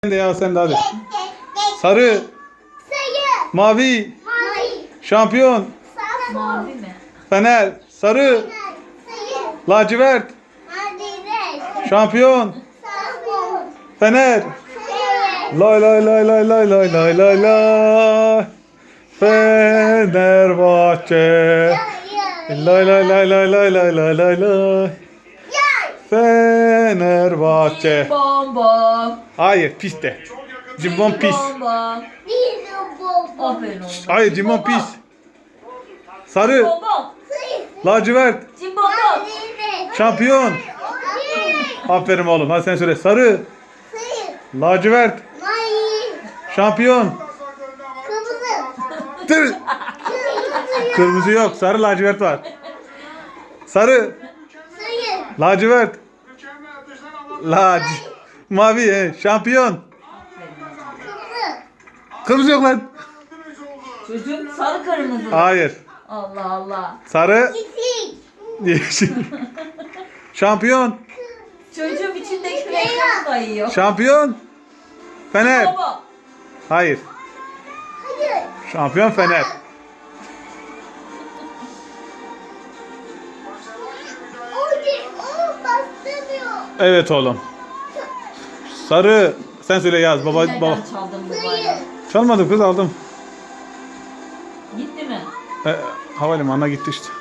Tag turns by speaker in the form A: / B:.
A: Sen de ya sen de hadi. Sarı, mavi, şampiyon,
B: Mavi mi?
A: Fener, sarı, lacivert, şampiyon, Fener. Lay lay lay lay lay lay lay lay lay. Fenerbahçe. Lay lay lay lay lay lay lay lay lay. Fenerbahçe.
B: Bom bom.
A: Hayır pis de. Cimbom pis.
B: Bom bom. Aferin oğlum.
A: Hayır cimbom pis. Sarı,
B: Bom bom.
A: lacivert,
B: Cimbom bom.
A: şampiyon. Aferin oğlum. Hadi sen söyle. Sarı, lacivert, şampiyon. Tır. Kırmızı yok. Sarı lacivert var. Sarı, lacivert, mavi, şampiyon. Kırmızı yok lan.
B: Çocuk sarı kırmızı.
A: Hayır.
B: Allah Allah.
A: Sarı, yeşil. Şampiyon.
B: Çocuğum içindeki renkleri sayıyor.
A: Şampiyon. Fener.
B: Baba.
A: Hayır. Şampiyon Fener. Evet oğlum. Sarı. Sen söyle yaz. Baba.
B: Nereden çaldın bu bayrağı?
A: Çalmadım kız aldım.
B: Gitti mi?
A: Havalimanına gitti işte.